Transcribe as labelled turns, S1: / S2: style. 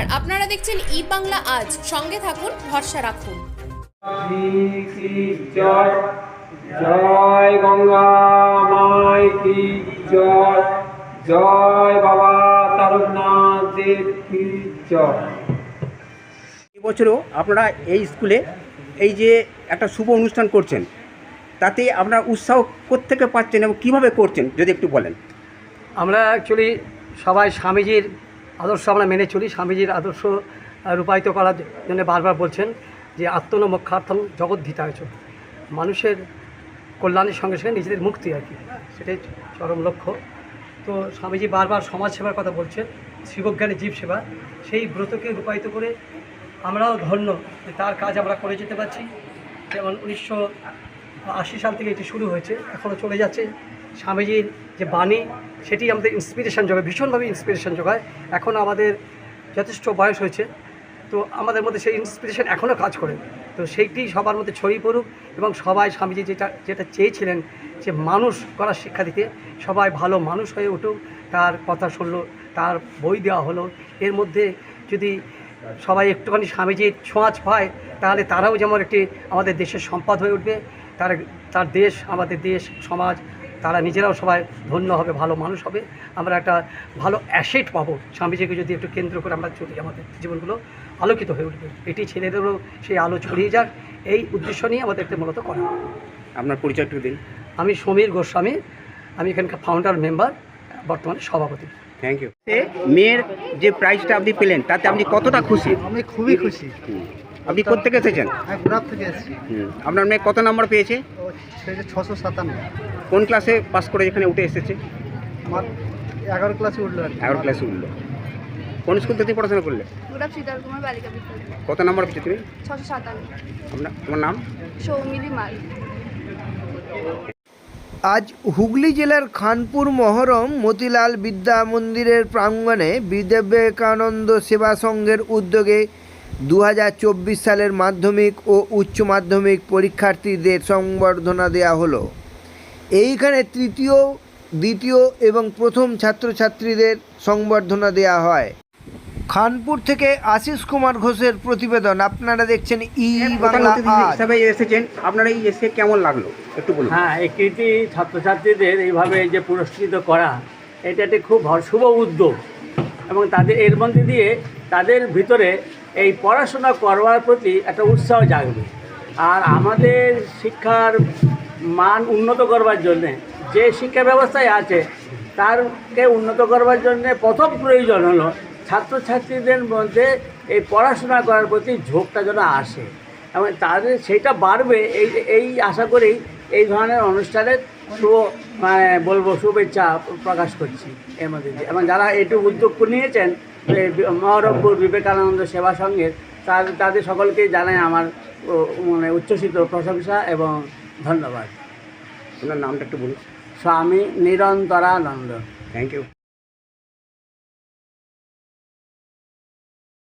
S1: নমস্কার, আপনারা দেখছেন ই বাংলা আজ। সঙ্গে থাকুন, ভরসা রাখুন।
S2: জয় জয় গঙ্গা মাই কি জয়, জয় বাবা তারকনাথ দেব কি জয়।
S3: এবছরও আপনারা এই স্কুলে এই যে একটা শুভ অনুষ্ঠান করছেন, তাতে আপনারা উৎসাহ কোত্থেকে পাচ্ছেন এবং কীভাবে করছেন যদি একটু বলেন।
S4: আমরা অ্যাকচুয়ালি সবাই স্বামীজির আদর্শ আমরা মেনে চলি। স্বামীজির আদর্শ রূপায়িত করার জন্য বারবার বলছেন যে আত্মনমোক্ষার্থম জগদ্ধিতায়, মানুষের কল্যাণের সঙ্গে সঙ্গে নিজেদের মুক্তি আর কি, সেটাই চরম লক্ষ্য। তো স্বামীজি বারবার সমাজ সেবার কথা বলছেন, শিবজ্ঞানী জীব সেবা, সেই ব্রতকে রূপায়িত করে আমরাও ধন্য যে তার কাজ আমরা করে যেতে পারছি। যেমন 1980 সাল থেকে এটি শুরু হয়েছে, এখনও চলে যাচ্ছে। স্বামীজির যে বাণী সেটি আমাদের ইন্সপিরেশন যোগায়, ভীষণভাবে ইন্সপিরেশন যোগায়। এখনও আমাদের যথেষ্ট বয়স হয়েছে, তো আমাদের মধ্যে সেই ইন্সপিরেশন এখনও কাজ করে। তো সেইটি সবার মধ্যে ছড়িয়ে পড়ুক এবং সবাই স্বামীজি যেটা চেয়েছিলেন যে মানুষ করার শিক্ষা দিতে, সবাই ভালো মানুষ হয়ে উঠুক। তার কথা শুনলো, তার বই দেওয়া হলো, এর মধ্যে যদি সবাই একটুখানি স্বামীজির ছোঁয়াচ পায়, তাহলে তারাও যেমন একটি আমাদের দেশের সম্পদ হয়ে উঠবে। তার দেশ, আমাদের দেশ, সমাজ, তারা নিজেরাও সবাই ধন্য হবে, ভালো মানুষ হবে। আমরা একটা ভালো অ্যাসেট পাবো স্বামীজিকে যদি একটু কেন্দ্র করে আমরা চলি, আমাদের জীবনগুলো আলোকিত হয়ে উঠবে। এটি ছেলেদেরও সেই আলো ছড়িয়ে যাক, এই উদ্দেশ্য নিয়ে আমাদেরকে মূলত করা।
S3: আপনার পরিচয় একটু দিন।
S4: আমি সমীর গোস্বামী, আমি এখানকার ফাউন্ডার মেম্বার, বর্তমানে সভাপতি।
S3: Thank you. মেয়ের যে প্রাইজটা আপনি পেলেন তাতে আপনি কতটা খুশি?
S5: আমি খুবই খুশি।
S3: আপনি কোত্থেকে এসেছেন?
S5: আমি গুড়াব থেকে এসেছি।
S3: আপনার মেয়ে কত নম্বর পেয়েছে?
S5: ও সেটা 657।
S3: কোন ক্লাসে পাস করে এখানে উঠে এসেছে?
S5: আমার 11 ক্লাসে উঠলো আর কি।
S3: 11 ক্লাসে উঠলো। কোন স্কুল থেকে পড়াশোনা করলে?
S6: গুড়াব শীতল কুমার বালিকা বিদ্যালয়।
S3: কত নম্বর পেয়েছো তুমি?
S6: 657।
S3: তোমার নাম?
S6: সৌমিলি মাল।
S7: আজ হুগলি জেলার খানপুর মহরম মতিলাল বিদ্যা মন্দিরের প্রাঙ্গণে বিবেকানন্দ সেবা সংঘের উদ্যোগে 2024 সালের মাধ্যমিক ও উচ্চ মাধ্যমিক পরীক্ষার্থীদের সংবর্ধনা দেওয়া হলো। এইখানে তৃতীয়, দ্বিতীয় এবং প্রথম ছাত্রছাত্রীদের সংবর্ধনা দেওয়া হয়। খানপুর থেকে আশিস কুমার ঘোষের প্রতিবেদন। আপনারা দেখছেন ই বাংলা আজ।
S3: হিসাবে এসেছেন, আপনারা এই এসে কেমন লাগলো একটু বলুন।
S8: হ্যাঁ, এই কৃতি ছাত্রছাত্রীদের এইভাবে যে পুরস্কৃত করা, এটা একটি খুব শুভ উদ্যোগ এবং তাদের এর মধ্যে দিয়ে তাদের ভিতরে এই পড়াশোনা করবার প্রতি একটা উৎসাহ জাগবে। আর আমাদের শিক্ষার মান উন্নত করবার জন্যে, যে শিক্ষা ব্যবস্থায় আছে তারকে উন্নত করবার জন্যে প্রথম প্রয়োজন হলো ছাত্রছাত্রীদের মধ্যে এই পড়াশোনা করার প্রতি ঝোঁকটা যেন আসে এবং তাদের সেইটা বাড়বে। এই আশা করেই এই ধরনের অনুষ্ঠানের শুভেচ্ছা প্রকাশ করছি এর মধ্যে দিয়ে। এবং যারা এটু উদ্যোগ নিয়েছেন মহরমপুর বিবেকানন্দ সেবা সংঘের, তাদের সকলকেই জানাই আমার উচ্ছ্বসিত প্রশংসা এবং ধন্যবাদ।
S3: আপনার নামটা একটু বলুন।
S8: স্বামী নিরন্তরানন্দ।
S3: Thank you.